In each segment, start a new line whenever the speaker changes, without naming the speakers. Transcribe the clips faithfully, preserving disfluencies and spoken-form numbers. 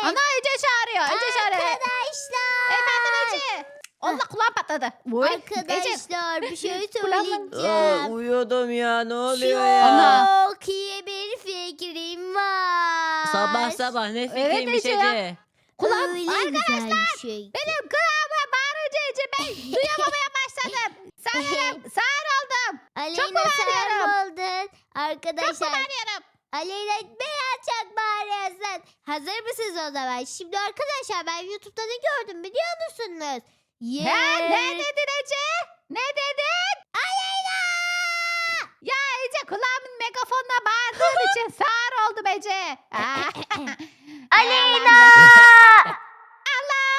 Ana Ece çağırıyor. Ece çağırıyor.
Arkadaşlar.
Efendim Ece. Allah kulağım patladı. Uy, Ece.
Arkadaşlar bir şey
Kulağımın-
Aa,
söyleyeceğim.
uyuyordum ya, ne oluyor ya?
Ana.
Çok iyi bir fikrim var.
Sabah sabah ne fikriymiş
Ece ya.
Ece?
Kulağım.
Öyle güzel bir şey.
Benim kulağıma bağırınca Ece ben duyamamaya başladım. Sağır, sağır oldum.
Aleyna sen
bağırıyorum.
mi oldun?
Çok
Arkadaşlar
bağırıyorum.
Aleyna beyaz çok bağırıyorsun. Hazır mısınız o zaman? Şimdi arkadaşlar ben YouTube'da ne gördüm biliyor musunuz?
He, ne dedin Ece? Ne dedin?
Aleyna!
Ya Ece kulağımın megafonla bağırdığın için sağır oldum Ece. Ah.
Aleyna!
Allah!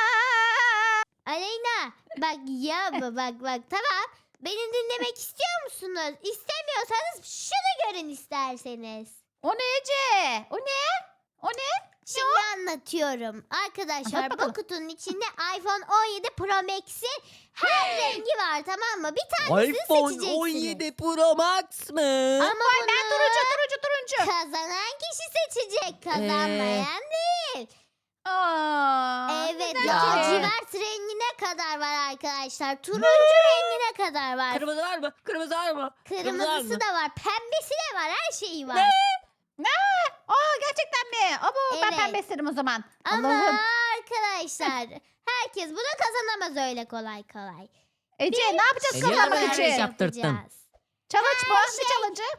Aleyna bak ya bak bak tamam. Beni dinlemek istiyor musunuz? İstemiyorsanız şunu görün isterseniz.
O ne Ece? O ne? O ne?
Şimdi anlatıyorum. Arkadaşlar
Anlat bakalım.
bu kutunun içinde iPhone on yedi Pro Max'in her rengi var tamam mı? Bir tanesini
iPhone
seçeceksiniz.
on yedi Pro Max mı?
Ama
Vay
bunu
ben turuncu turuncu turuncu.
kazanan kişi seçecek. Kazanmayan değil.
Aa,
Evet
güzel.
ya.
lacivert rengine kadar var arkadaşlar. Turuncu rengine kadar var.
Kırmızı var mı? Kırmızı var mı? Kırmızı var
Kırmızısı
mı?
da var. Pembesi de var. Her şeyi var.
Ne? Aa gerçekten mi? Abo ben
Evet.
pembe isterim o zaman.
Ama
Allah'ım.
arkadaşlar herkes bunu kazanamaz öyle kolay kolay.
Ece ne yapacağız
Ece,
kazanmak
her şey
için?
yaptırttın.
yapacağız.
Challenge mı?
Her
Ne
şey-
challenge'ı?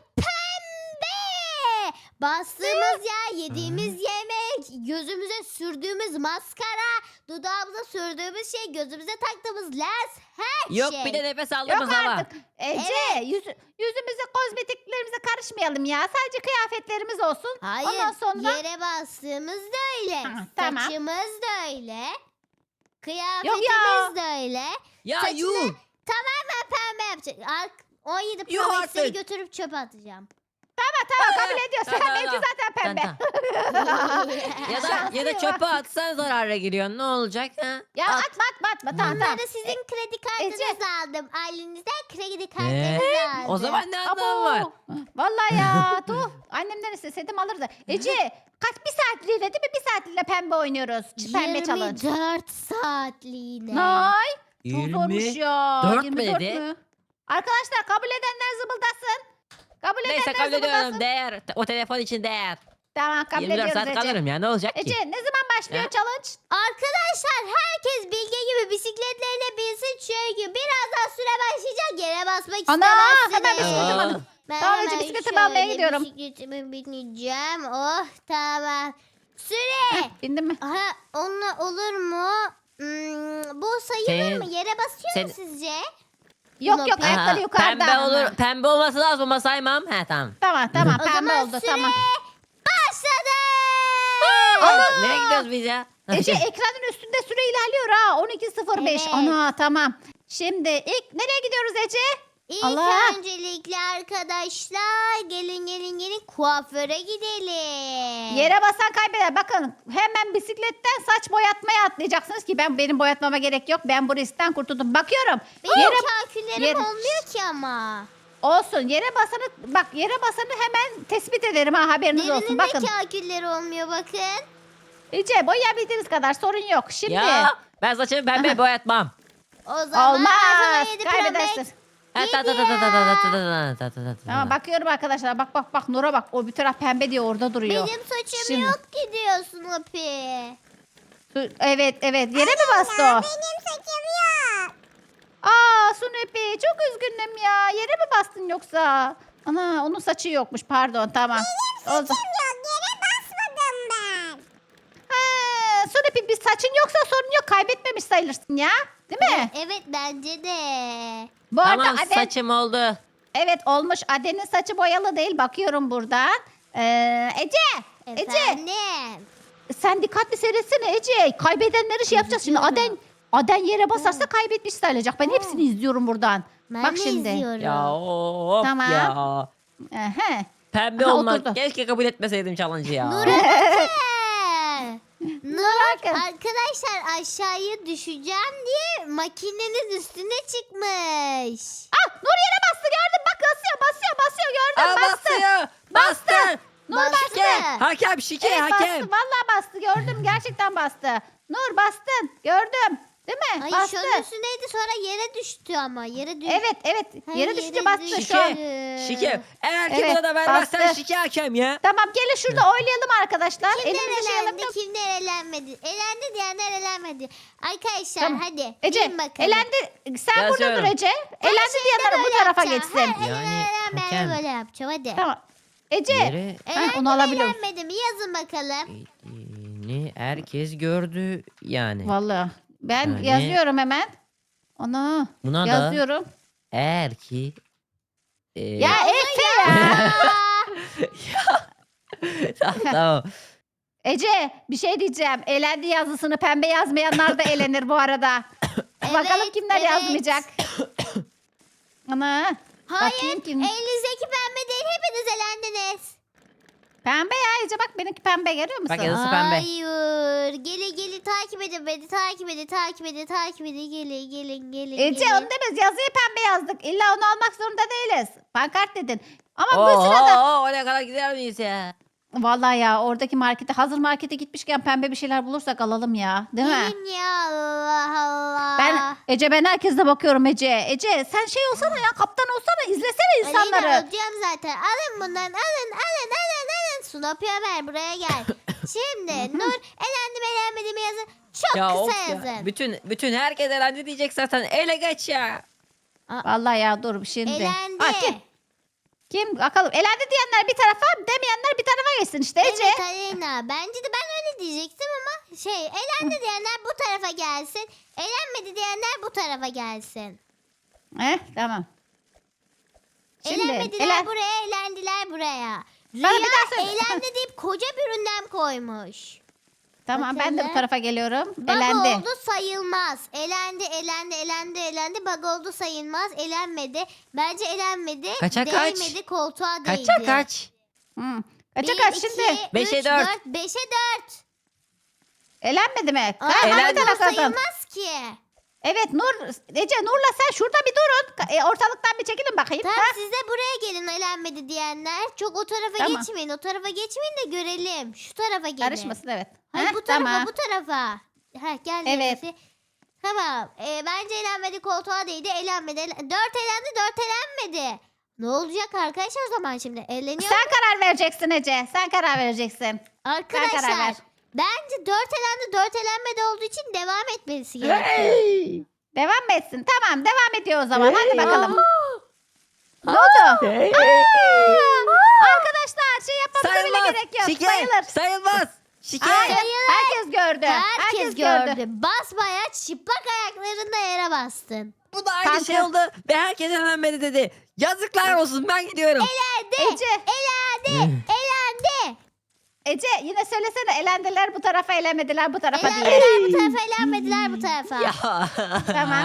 Pembe! Bastığımız yer, yediğimiz yemek, gözümüze sürdüğümüz maskara, dudağımıza sürdüğümüz şey, gözümüze taktığımız lens, her
Yok
şey.
bir de nefes
Yok
aldığımız hava.
artık. Ece yüz, yüzümüze kozmetiklerimize karışmayalım ya. Sadece kıyafetlerimiz olsun.
Hayır,
Ondan sonra
yere bastığımız da öyle.
Ha, tamam.
Saçımız da öyle.
Yok
Kıyafetimiz
ya.
de öyle.
Ya
Saçını-
yuh.
Tamamen pembe yapacak. Ar- on yedi Pro
Yuh
Max'leri
artık.
götürüp çöpe atacağım.
tamam tamam kabul ediyorsun.
Tamam,
Benimki
tamam.
zaten
Tamam,
pembe.
tamam. Ya da
Şanslı
ya da
ya.
çöpe atsan zarara giriyorsun. Ne olacak ha?
Ya
At.
atma atma atma. Tamam tamam.
Bunları sizin kredi kartınızı
Ece.
aldım. Ailenizden kredi
Ee,
kartınızı aldım.
o zaman ne anlamı var?
Abo. Vallahi ya. Tuh. Annemden isteseydim alırdı. Ece kaç bir saatliğine değil mi? Bir saatliğine pembe oynuyoruz. Ç- Pembe challenge.
yirmi dört saatliğine.
Nay. Çok zormuş
yirmi
ya.
dört mü
yirmi dört
dedi?
mü? Arkadaşlar kabul edenler zıbıldasın. Kabul
Neyse
edenler
kabul ediyorum.
zıbıldasın.
Değer. O telefon için değer.
Tamam kabul
yirmi dört
ediyoruz
saat
Ece.
kalırım ya, ne olacak ki?
Ece ne zaman başlıyor
Ya.
challenge?
Arkadaşlar herkes Bilge gibi bisikletlerine binsin çünkü birazdan süre başlayacak yere basmak
Ana
istemezsiniz.
hemen bisikletim
Aa.
alın.
Ben
Tamam, Ece,
hemen
bisikletimi almaya
şöyle
gidiyorum.
Bisikletimi bineceğim. Oh tamam. Süre.
Bindin mi?
Aha, onunla olur mu? Hmm, bu sayılır
Sen-
mı? Yere basıyor
sen-
mu sizce?
Yok
Yok,
yok
Aha,
ayakları yukarıda.
Pembe
ama.
olur. Pembe olması lazım ama saymam. He tamam.
Tamam tamam
O
pembe
zaman
oldu
süre
tamam.
başladı.
Ana!
Nereye gidiyoruz biz ya?
Ece ekranın üstünde süre ilerliyor ha. on iki sıfır beş.
Evet.
Ana tamam. Şimdi ilk nereye gidiyoruz Ece?
İlk
Allah!
öncelikle arkadaşlar gelin gelin gelin kuaföre gidelim.
Yere basan kaybeder. Bakın hemen bisikletten saç boyatmaya atlayacaksınız ki ben benim boyatmama gerek yok. Ben bu riskten kurtuldum. Bakıyorum.
Benim
Yere
kalküllerim
yere-
olmuyor ki ama.
olsun. Yere basanı bak yere basanı hemen tespit ederim ha haberiniz olsun.
Derinin
Bakın.
de kalkülleri olmuyor bakın.
Ece boyayabildiğiniz kadar sorun yok. Şimdi
Ya ben saçımı pembe boyatmam.
O zaman
olmaz.
iPhone yedi Pro Max
Kaybedersin.
Ha, ta ta ta ta ta ta ta ta ta ta ta ta.
Tamam bakıyorum arkadaşlar. Bak bak bak Nur'a bak. O bir taraf pembe diye orada duruyor.
Benim saçım
Şimdi.
yok ki diyorsun Hopi.
Evet evet. Yere mi bastı o?
Benim saçım yok.
Aa Sunepi çok üzgünüm ya. Yere mi bastın yoksa? Ana onun saçı yokmuş pardon tamam. Benim
yok yere basmadım ben.
Ha, Sunepi bir saçın yoksa sorun yok. Kaybetmemiş sayılırsın ya. Değil mi?
Evet bence de.
Bu
Tamam
arada Aden,
saçım oldu.
evet olmuş. Aden'in saçı boyalı değil. Bakıyorum buradan. Ee, Ece. Ece
Efendim.
sen dikkatli seyretsene Ece. Kaybedenleri şey yapacağız şimdi. Aden Aden yere basarsa kaybetmiş sayılacak. Ben hepsini izliyorum buradan.
Ben
Bak
de
şimdi.
izliyorum.
Ya of
Tamam.
ya.
Ehe.
Pembe
Aha,
olmak.
oturdu.
Keşke kabul etmeseydim challenge'ı ya.
Nur Nur
bakın.
arkadaşlar aşağıya düşeceğim diye makinenin üstüne çıkmış.
Ah Nur yere bastı gördün bak basıyor basıyor basıyor gördün
Aa,
bastı.
basıyor. Bastı.
Nur bastı.
Gel. Hakem şike
Evet
hakem.
bastı. Vallahi bastı. Gördüm. Gerçekten bastı. Nur bastın. Gördüm. Değil mi?
Ay
bastı.
şunun üstündeydi sonra yere düştü ama. Yere düştü.
Evet evet.
Ha,
Yere düşünce bastı
düştü.
şu an.
Şike. Eğer ki
Evet,
buna da vermezsen
bastı.
şike hakem ya.
Tamam gelin şurada oylayalım arkadaşlar.
Kimler
Elimizi şey
elendi,
alalım.
kimler elenmedi? Elendi diyenler elenmedi. Arkadaşlar
Tamam.
hadi.
Burada. Ece
bilin bakalım.
elendi. Sen burada dur
Yazıyorum.
Ece. Elendi diyenler bu
Böyle
tarafa
yapacağım.
geçsin.
Her
Yani
elenen elenmeyene
hakem.
böyle yapacağım hadi.
Tamam. Ece.
Yere
Ha,
Elendi
onu
mi
alabiliyorum.
elenmedi mi? Yazın bakalım.
eğdiğini herkes gördü yani.
Vallahi. Ben
Yani-
yazıyorum hemen. Onu
Buna da
yazıyorum.
eğer ki e,
Ya Efe ya.
tamam, tamam.
Ece bir şey diyeceğim. Elendi yazısını pembe yazmayanlar da elenir bu arada. Bakalım
Evet,
kimler
evet.
yazmayacak. Ana.
Hayır.
Bakayım kim.
Elinizdeki pembe değil. Hepiniz elendiniz.
Pembe ya Ece bak benimki pembe görüyor musun?
Bak yazısı pembe.
Hayır. Gelin gelin takip edin beni. Takip edin takip edin takip edin. Gelin gelin gelin.
Ece
gelin.
onu demez yazıyı pembe yazdık. İlla onu almak zorunda değiliz. Pankart dedin. Ama
Oo,
bu sırada
oo, oraya kadar gider miyiz ya?
vallahi ya oradaki markete hazır markete gitmişken pembe bir şeyler bulursak alalım ya. Değil mi?
Gelin ya Allah Allah.
Ben Ece ben herkese bakıyorum Ece. Ece sen şey olsana ya kaptan olsana izlesene insanları.
Aleyna olacağım zaten. Alın bundan alın alın alın alın. Sunop Ömer buraya gel. Şimdi Nur elendim elenmedim yazın. Çok
Ya of
kısa
ya.
yazın.
Bütün bütün herkes elendi diyecek zaten. Ele geç ya.
Vallahi ya dur şimdi.
Elendi.
Aa, kim? Kim? Bakalım elendi diyenler bir tarafa demeyenler bir tarafa geçsin işte Ece.
Evet Aleyna. Bence de ben öyle diyecektim ama şey elendi diyenler bu tarafa gelsin. Elenmedi diyenler bu tarafa gelsin.
Heh, tamam. Şimdi
Elenmediler
elen-
buraya, elendiler buraya.
Bana bir
Rüya
daha söyle.
eğlendi deyip koca bir ünlem koymuş.
Tamam ben de bu
Bakalım.
tarafa geliyorum.
Bug
Elendi.
oldu sayılmaz. Elendi, elendi, elendi, elendi. Bug oldu sayılmaz. Elenmedi. Bence elenmedi.
Kaça kaç?
Değmedi, koltuğa değdi.
Kaça kaç?
Hmm. Kaça
Bir,
kaç
iki,
şimdi?
Beşe
üç,
dört.
dört. Beşe dört.
Elenmedi mi?
Aa,
Hangi
elendi.
taraf
bu
kazandı?
sayılmaz ki.
Evet Nur, Ece Nur'la sen şurada bir durun. E, ortalıktan bir çekilin bakayım.
Tamam
Ha?
siz de buraya gelin elenmedi diyenler. Çok o tarafa
Tamam.
geçmeyin. O tarafa geçmeyin de görelim. Şu tarafa gelin.
Karışmasın evet.
Hayır
Ha,
bu tarafa
tamam.
bu tarafa. Ha gel
Evet.
Efe. Tamam. Ee, bence elenmedi koltuğa değdi. Elenmedi. Elen- Dört elendi dört elenmedi. Ne olacak arkadaşlar o zaman şimdi? Eleniyor.
Sen karar vereceksin Ece. Sen karar vereceksin.
Arkadaşlar
karar ver.
bence dört elendi dört elenmedi olduğu için devam etmesi gerekiyor.
Devam mı etsin? Tamam devam ediyor o zaman. Hadi bakalım. Ne oldu? Arkadaşlar şey yapmamıza bile
Sayılmaz.
gerek yok.
Şike.
Sayılır.
Sayılmaz. Şike.
Hayır. Herkes gördü.
Herkes, gördü. Basbayağı çıplak ayaklarında yere bastın.
Bu da aynı
Kanka.
şey oldu ve herkes elenmedi dedi. Yazıklar olsun ben gidiyorum.
Elendi.
Ece,
Elendi. Elendi.
Ece yine söylesene elendiler bu tarafa elemediler bu tarafa diye.
Elendiler bu tarafa elenmediler bu tarafa.
Ya.
Tamam.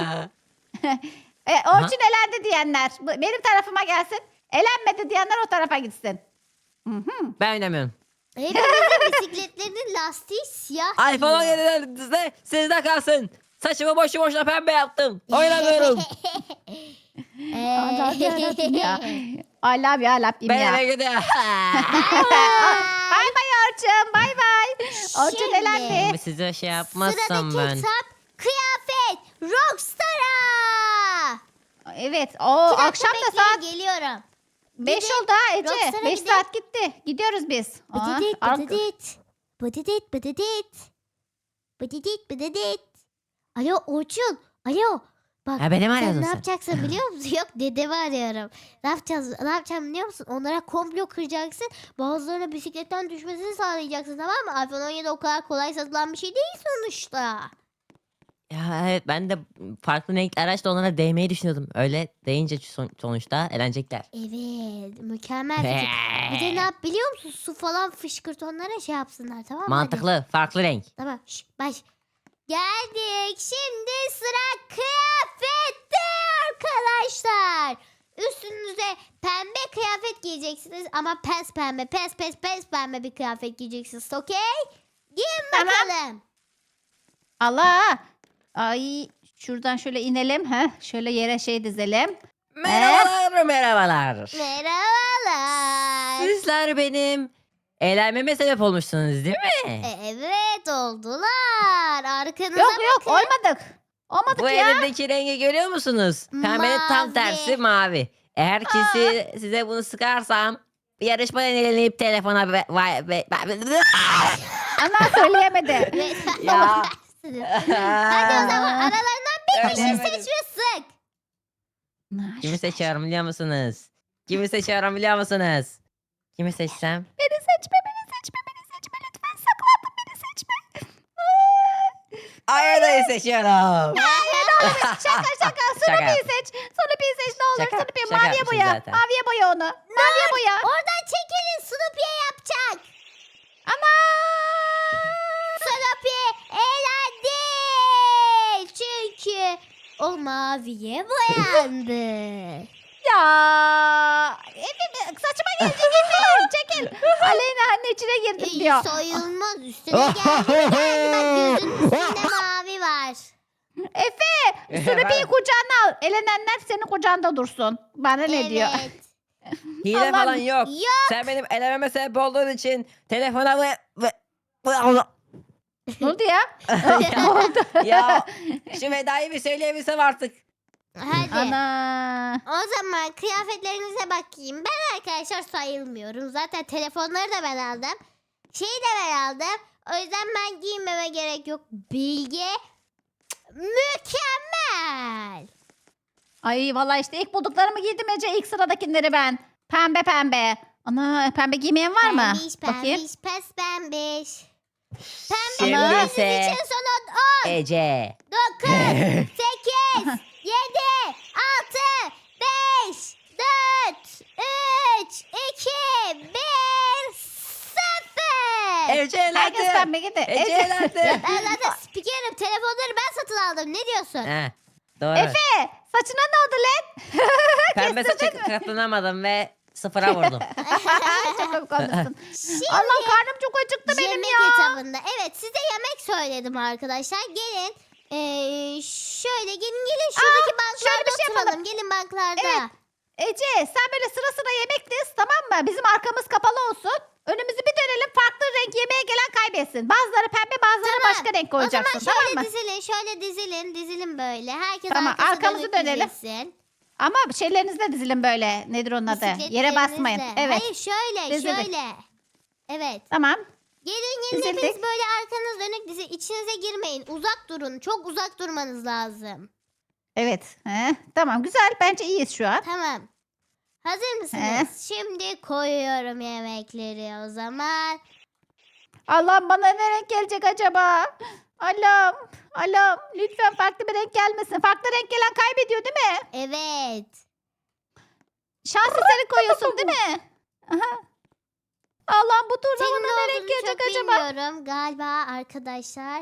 E, Orçun elendi diyenler bu- benim tarafıma gelsin. Elenmedi diyenler o tarafa gitsin. Hı hı.
Ben oynamıyorum.
Hepimizin bisikletlerinin lastiği siyah.
iPhone on yedilerinizde sizde kalsın. Saçımı boşu boşuna pembe yaptım. Oynamıyorum.
Allah'ım yarabbim ya. I love you, I love you
Ben
ya.
eve gidiyorum.
Bay bay Orçun, bay bay. Orçun
Şimdi.
elendi.
Size şey yapmazsam
Sıradaki
ben.
kitap kıyafet Rockstar'a.
Evet, o
İki dakika
akşam da
bekleyin,
saat
geliyorum.
beş
Gidin.
oldu ha Ece.
Rockstar'a
beş
gidin.
saat gitti. Gidiyoruz biz. Aa,
Bıdıdıt
arka-
bıdıdıt. Bıdıdıt bıdıdıt. Bıdıdıt bıdıdıt. Alo Orçun. Alo. Bak
Ha, beni mi
sen
arıyordun
ne
sen?
yapacaksın biliyor musun? Yok dedemi arıyorum. Ne yapacağız? Ne yapacağım biliyor musun? Onlara komplo kıracaksın. Bazılarına bisikletten düşmesini sağlayacaksın tamam mı? iPhone on yedi o kadar kolay satılan bir şey değil sonuçta.
Ya evet ben de farklı renkli araçla onlara değmeyi düşünüyordum. Öyle değince son- sonuçta eğlenecekler.
Evet mükemmel fikir. Bir de ne yap biliyor musun? Su falan fışkırt onlara şey yapsınlar tamam mı? Hadi.
Mantıklı, farklı renk.
Tamam şş, baş. Geldik. Şimdi sıra kıyafette arkadaşlar. Üstünüze pembe kıyafet giyeceksiniz ama pes pembe, pes pes pes pembe bir kıyafet giyeceksiniz. Okey? Giyin
Tamam.
bakalım.
Allah. Ay şuradan şöyle inelim. ha. Şöyle yere şey dizelim.
Merhabalar, merhabalar.
Merhabalar.
Sizler benim eğlenmeme sebep olmuşsunuz değil mi?
E, evet oldular. Arkanıza
Yok yok
bakın.
olmadık. Olmadık
Bu
ya.
elimdeki rengi görüyor musunuz? Pembenin tam
Mavi.
tersi mavi. Eğer ki si- size bunu sıkarsam yarışmadan elenip telefona ve, ve, ve,
Ana söyleyemedi.
Ve-
Ya.
Hadi o zaman aralarından bir kişi
Söyleyemedim.
seç ve sık.
Kimi seçiyorum biliyor musunuz? Kimi seçiyorum biliyor musunuz? Kimi seçsem?
Beni seçme, beni seçme, beni seçme. Lütfen saklandım, beni seçme.
Ayada'yı seçiyorum.
Şaka şaka. Snoopy'yi seç. Snoopy'yi seç ne olur.
Şaka,
Snoopy
şaka
maviye
yapmışım
boya.
zaten.
Maviye boya onu. Maviye boya.
Oradan çekilin, Snoopy'ye yapacak.
Ama.
Snoopy eğlendi. Çünkü o maviye boyandı.
Ya. Efe saçıma gelecek Efe. Çekil. Aleyna anne içine girdim
İyi
diyor.
soyulmaz. Üstüne geldi mi geldi. Bak gözünün üstünde mavi var.
Efe. Snoopy'yi
Ben-
kucağına al. Elenenler senin kucağında dursun. Bana ne diyor?
Evet.
Hile
Allah'ım.
falan yok.
Yok.
Sen benim elememe sebep olduğun için telefona ve... ve...
Ne oldu ya? Ne oldu?
ya şu vedayı bir söyleyebilsem artık.
Hadi.
Ana.
O zaman kıyafetlerinize bakayım. Ben arkadaşlar sayılmıyorum. Zaten telefonları da ben aldım. Şeyi de ben aldım. O yüzden ben giymeme gerek yok. Bilge mükemmel.
Ay vallahi işte ilk bulduklarımı giydim Ece. İlk sıradakileri ben. Pembe pembe. Ana pembe giymeyen var mı?
Pembiş
Bakayım.
pembiş pes pembiş. Pembe
Şimdi
giydiğiniz
ise
için son on,
Ece.
dokuz, sekiz, yedi, altı, beş, dört, üç, iki, bir, sıfır.
Ece
Herkes
elendi.
pembe giydi.
Ece
Ece.
elendi.
Ben zaten spikerim. Telefonları ben satın aldım. Ne diyorsun?
Heh, doğru.
Efe saçına ne oldu lan?
Pembe saça katlanamadım ve sıfıra vurdum.
Çok komik olmuşsun.
Şimdi
Allah karnım çok acıktı benim
yemek
ya.
etabında. Evet size yemek söyledim arkadaşlar. Gelin. Ee, şöyle gelin gelin. Şuradaki
Aa,
banklarda
şöyle bir şey
oturalım.
yapalım.
Gelin banklarda.
Evet. Ece sen böyle sıra sıra yemek diz tamam mı? Bizim arkamız kapalı olsun. Önümüzü bir dönelim farklı renk yemeğe gelen kaybetsin. Bazıları pembe bazıları
Tamam.
başka renk
O zaman
koyacaksın
şöyle
tamam mı?
dizilin. Şöyle dizilin. Dizilin böyle. Herkes
Tamam,
arkası
arkamızı
dönük
dönelim.
dizilsin.
Ama şeylerinizle dizilin böyle. Nedir onun adı? Yere
Bisikletlerinizle.
basmayın. Evet.
Hayır şöyle
Dizilin.
şöyle. Evet.
Tamam.
Gelin gelin
Dizildik.
hepiniz böyle arkanız dönük dizi. İçinize girmeyin. Uzak durun. Çok uzak durmanız lazım.
Evet. He, tamam güzel. Bence iyiyiz şu an.
Tamam. Hazır mısınız? Şimdi koyuyorum yemekleri o zaman.
Allah'ım bana ne renk gelecek acaba? Allah'ım. Allah'ım. Lütfen farklı bir renk gelmesin. Farklı renk gelen kaybediyor değil mi?
Evet.
Şans eseri koyuyorsun değil mi? Aha. Allah'ım bu turda
Senin
bana
ne
ne renk
olduğunu
gelecek
çok
acaba?
bilmiyorum. Galiba arkadaşlar.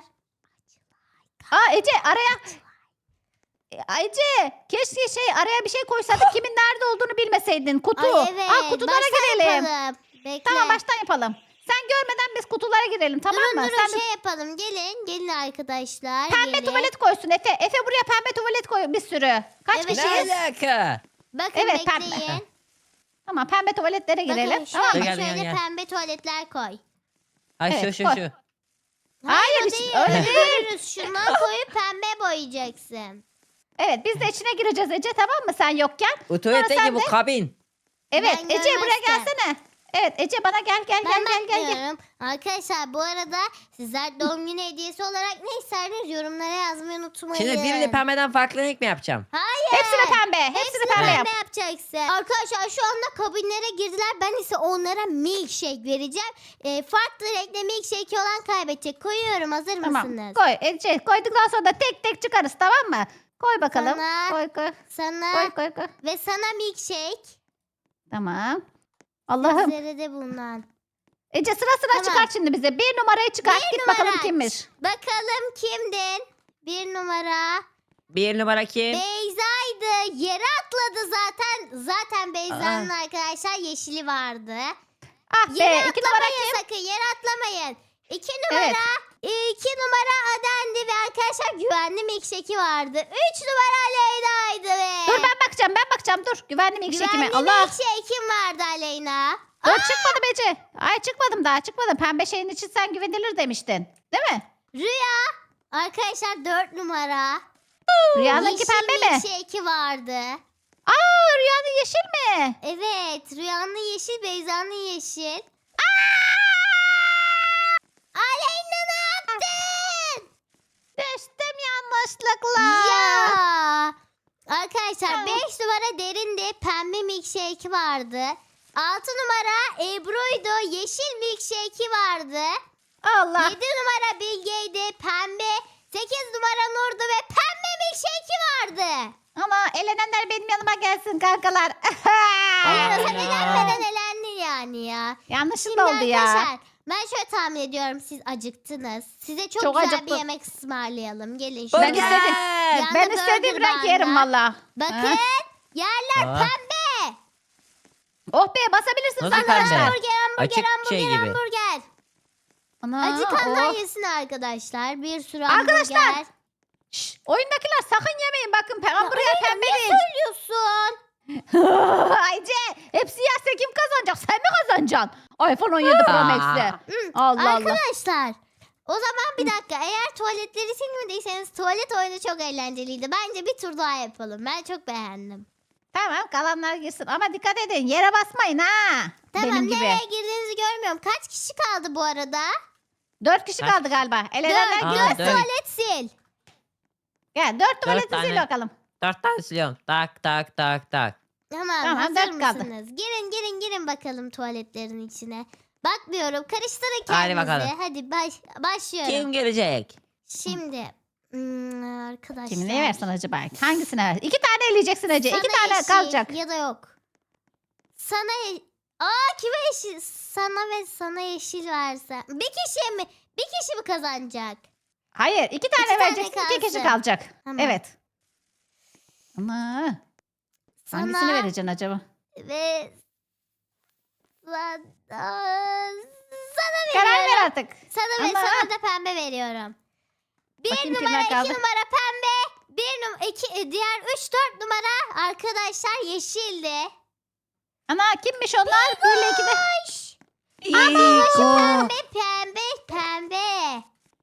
Aa Ece araya. E, Ece keşke şey araya bir şey koysaydık kimin nerede olduğunu bilmeseydin. Kutu.
Ay evet.
Aa kutulara
baştan
girelim.
yapalım. Bekle.
Tamam baştan yapalım. Sen görmeden biz kutulara girelim tamam
durun
mı?
durun
Sen de
şey yapalım. Gelin. Gelin arkadaşlar.
pembe
gelin.
tuvalet koysun Efe. Efe buraya pembe tuvalet koy bir sürü. Kaç
Evet,
Ne
kişiyiz?
alaka?
Bakın
Evet, pembe.
bekleyin.
Tamam pembe tuvaletlere girelim.
Bakın
Tamam
şöyle,
mı?
Gel, gel,
şöyle
gel.
pembe tuvaletler koy.
Ay şu
Evet,
şu
koy.
şu.
Hayır,
o
hiç-
değil.
öyle
öyle
değil.
görürüz. Şunu koyup pembe boyayacaksın.
Evet biz de içine gireceğiz Ece tamam mı sen yokken?
Bu tuvaletteki
sen
bu
de-
kabin.
Evet
Ben
Ece buraya
görmezken.
gelsene. Evet Ece bana gel gel
Ben
gel gel gel. gel.
bakmıyorum. Arkadaşlar bu arada sizler doğum günü hediyesi olarak ne isterseniz yorumlara yazmayı unutmayın.
Şimdi birini pembeden farklı renk mi yapacağım?
Hayır.
Hepsini pembe. Hepsini,
Hepsini
pembe yap.
pembe yapacaksın. Arkadaşlar şu anda kabinlere girdiler. Ben ise onlara milkshake vereceğim. Ee, farklı renkte milkshake olan kaybedecek. Koyuyorum. Hazır
Tamam
mısınız?
koy Ece koyduktan sonra da tek tek çıkarız tamam mı? Koy bakalım.
Sana-
Koy koy.
Sana
Koy koy koy.
ve sana milkshake.
Tamam. Allah'ım.
Sizlere de bundan.
Ece sıra sıra
Tamam.
çıkart şimdi bize. Bir numarayı çıkart.
Bir
Git
numara
bakalım
aç.
kimmiş.
Bakalım kimdin? Bir numara.
Bir numara kim?
Beyza'ydı. Yere atladı zaten. Zaten Beyza'nın arkadaşlar yeşili vardı.
Ah be
Yere
iki numara
atlamayın
kim?
sakın. Yere atlamayın. İki numara.
Evet.
iki numara Adendi ve arkadaşlar güvenli milkshake'i vardı. Üç numara Aleyna'ydı ve
Dur ben bakacağım ben bakacağım dur. Güvenli milkshake'ime.
güvenli
Allah.
milkshake'im vardı Aleyna.
Dur çıkmadım Ece. Ay çıkmadım daha çıkmadım. Pembe şeyin için sen güvenilir demiştin. Değil mi?
Rüya. Arkadaşlar dört numara.
Rüyanınki
Yeşil
pembe mi?
milkshake'i vardı.
Aa rüyanın yeşil mi?
Evet. Rüyanın yeşil, Beyza'nın yeşil. Aleyna ne yaptın?
Düştüm yanlışlıkla.
Ya. Arkadaşlar
Ya.
beş numara derinde pembe milkshake vardı. altı numara Ebru'ydu. Yeşil milkshake'i vardı.
Allah.
yedi numara Bilge'ydi. Pembe. sekiz numara Nur'du ve pembe milkshake'i vardı.
Ama elenenler benim yanıma gelsin kankalar.
Aleyna sen
Aa.
elenmeden elendin yani ya. Şimdi
Yanlışlıkla oldu ya.
arkadaşlar ben şöyle tahmin ediyorum siz acıktınız. Size çok,
Çok
güzel bir
acıktım.
yemek ısmarlayalım. Gelin
Ben
şuraya.
Burger.
istedim.
Yanında
Ben istediğim
burger
renk yerim
var.
valla.
Bakın
Ha?
yerler
Aa.
pembe.
Oh be basabilirsin
Nasıl
sen
pembe?
arkadaşlar.
Hamburger, hamburger,
Açık
hamburger,
şey gibi.
hamburger.
Ana,
Acıkanlar
oh.
yesin arkadaşlar. Bir sürü
Arkadaşlar,
hamburger.
Şşş, oyundakiler sakın yemeyin bakın. Pe- Hamburger
Aleyna,
pembe
ne
değil.
söylüyorsun?
Ayce hepsi yerse kim kazanacak? Sen mi kazanacaksın? iPhone on yedi Pro
Aa.
Max'e.
Hı,
Allah Allah.
Arkadaşlar o zaman bir dakika eğer tuvaletleri silmediyseniz tuvalet oyunu çok eğlenceliydi. Bence bir tur daha yapalım. Ben çok beğendim.
Tamam kalanlar girsin ama dikkat edin yere basmayın ha.
Tamam
Benim gibi.
nereye girdiğinizi görmüyorum. Kaç kişi kaldı bu arada?
Dört kişi
Kaç
kaldı
kişi?
galiba.
Dört,
Elenenler
Aa,
girsin.
dört
dört.
tuvalet sil.
Gel dört tuvaleti
tane.
sil bakalım.
Dört tane siliyorum. Tak tak tak tak.
Tamam,
Tamam,
hazır
dört kaldı.
mısınız? Girin girin girin bakalım tuvaletlerin içine. Bakmıyorum karıştırın
Hadi
kendinizi.
bakalım.
Hadi baş, başlıyorum.
Kim gelecek?
Şimdi hmm, arkadaşlar.
Kimi ne versin acaba? Hangisine ver? İki tane eleyeceksin Ece.
Sana
İki tane
yeşil
kalacak.
ya da yok. Sana ye- Aa kime yeşil? Sana ve sana yeşil versen. Bir kişiye mi? Bir kişi mi kazanacak?
Hayır iki tane
tane
vereceksin. iki kişi
kalsın.
kalacak.
Tamam.
Evet. Ama hangisini
Sana
vereceksin acaba?
ve sana, sana
Karar
veriyorum.
ver artık.
Sana ve
Ama-
sana da pembe veriyorum. Bir
Bakayım
numara,
kimler
iki
kaldı.
numara pembe. Bir numara, iki, e, diğer üç, dört numara arkadaşlar yeşildi.
Ana kimmiş onlar? Bir ile iki de.
Hoş.
İko.
Pembe, pembe, pembe.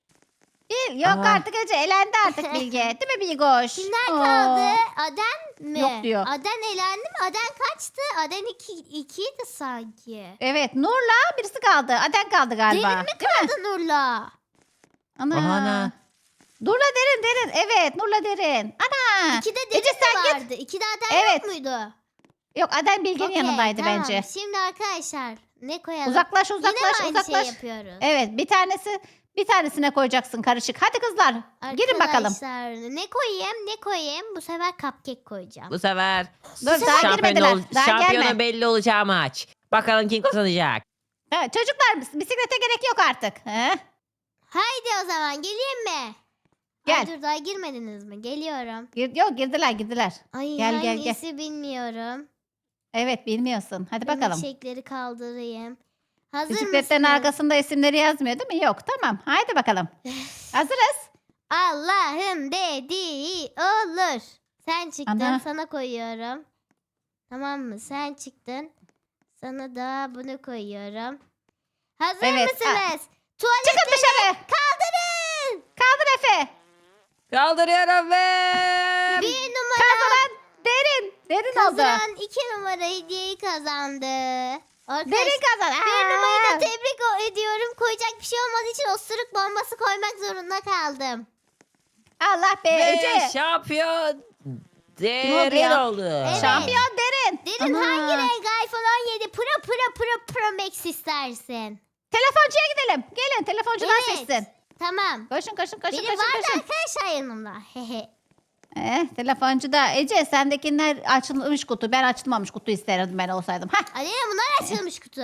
Bir. Yok
Aa.
artık Ece. Elendi artık Bilge. Değil mi Bilgoş?
Kimler
Oo.
kaldı? Aden mi?
Yok diyor.
Aden elendi mi? Aden kaçtı? Aden iki, ikiydi sanki.
Evet Nur'la birisi kaldı. Aden kaldı galiba.
Derin mi kaldı Nurla?
Ana.
Ana.
Nur'la derin derin. Evet Nur'la derin. Ana.
İkide
Ece
Derin
sen
mi
git.
vardı? İkide Aden
Evet.
yok muydu?
Yok Aden Bilge'nin
Okey,
yanındaydı
tamam.
bence.
Şimdi arkadaşlar ne koyalım?
Uzaklaş
Yine
uzaklaş
mi aynı
uzaklaş.
şey yapıyoruz?
Evet bir tanesi bir tanesine koyacaksın karışık. Hadi kızlar girin bakalım.
Arkadaşlar ne koyayım ne koyayım? Bu sefer cupcake koyacağım.
Bu sefer
Dur daha
şampiyon
girmediler.
ol-
Daha
şampiyonu
gelme.
belli olacağı maç. Bakalım kim kazanacak.
Evet, çocuklar bisiklete gerek yok artık. He?
Haydi o zaman geleyim mi?
Gel.
Ay, dur daha girmediniz mi? Geliyorum.
Gir- yok girdiler girdiler.
Ay
Gel, gel,
hangisi bilmiyorum.
Evet bilmiyorsun. Hadi bakalım.
Milkshake'leri kaldırayım. Hazır
Bisikletlerin
mısınız?
arkasında isimleri yazmıyor değil mi? Yok tamam. Haydi bakalım. Hazırız.
Allah'ın dediği olur. Sen çıktın
Ana.
sana koyuyorum. Tamam mı? Sen çıktın. Sana da bunu koyuyorum. Hazır
Evet, a-
mısınız? Tuvalet
Çıkın dışarı.
kaldırın.
Kaldır Efe.
Kaldırıyorum ve
Bir numara
Kazanan derin. Derin oldu.
kazanan iki numara hediyeyi kazandı. Arkadaşlar,
Derin kazan.
bir numarayı
Aa.
da tebrik o- ediyorum. Koyacak bir şey olmadığı için osuruk bombası koymak zorunda kaldım.
Allah be
ve
Ece.
şampiyon
oldu
derin
ya?
oldu.
Evet.
Şampiyon derin.
Derin
Ana.
hangi renk iPhone on yedi Pro Pro Pro Pro Max istersin?
Telefoncuya gidelim. Gelin telefoncudan
Evet.
seçsin.
Tamam.
Koşun koşun koşun
Biri
koşun
vardı
koşun.
arkadaşlar yanımda. Hehe.
Eh, telefoncuda Ece sendekiler açılmış kutu. Ben açılmamış kutu isterdim ben olsaydım. Hah,
Alena bunlar açılmış kutu.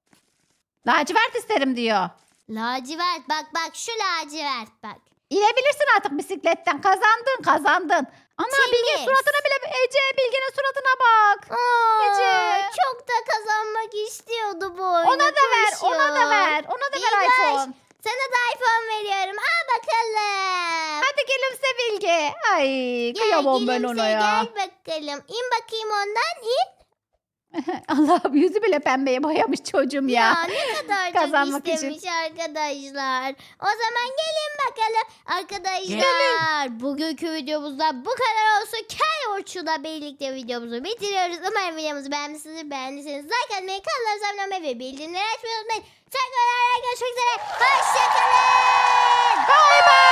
lacivert isterim diyor.
Lacivert bak bak şu lacivert bak.
İnebilirsin artık bisikletten. Kazandın kazandın. Ana Bilge
Temiz.
suratına bile Ece Bilge'nin suratına bak.
Aa,
Ece.
çok da kazanmak istiyordu bu oyunu.
Ona da ver, ona da ver. Ona da ver
Bilge.
iPhone.
Sana da iPhone veriyorum. Al bakalım.
Hadi gülümse Bilge. Ay
Gel
kıyamam ben
gülümse,
ona ya.
Gel bakalım. İn bakayım ondan in.
Allah'ım yüzü bile pembeye boyamış çocuğum ya.
Ya ne kadar
Kazanmak
çok
için.
istemiş arkadaşlar. O zaman gelin bakalım arkadaşlar. Bugünkü videomuzda bu kadar olsun. Kel Orçun'la birlikte videomuzu bitiriyoruz. Umarım videomuzu beğenmişsinizdir. Beğendiyseniz like atmayı, kanalımıza abone olmayı ve bildirimleri açmayı unutmayın. Tekrar görüşmek üzere. Hoşçakalın.
Bay bay.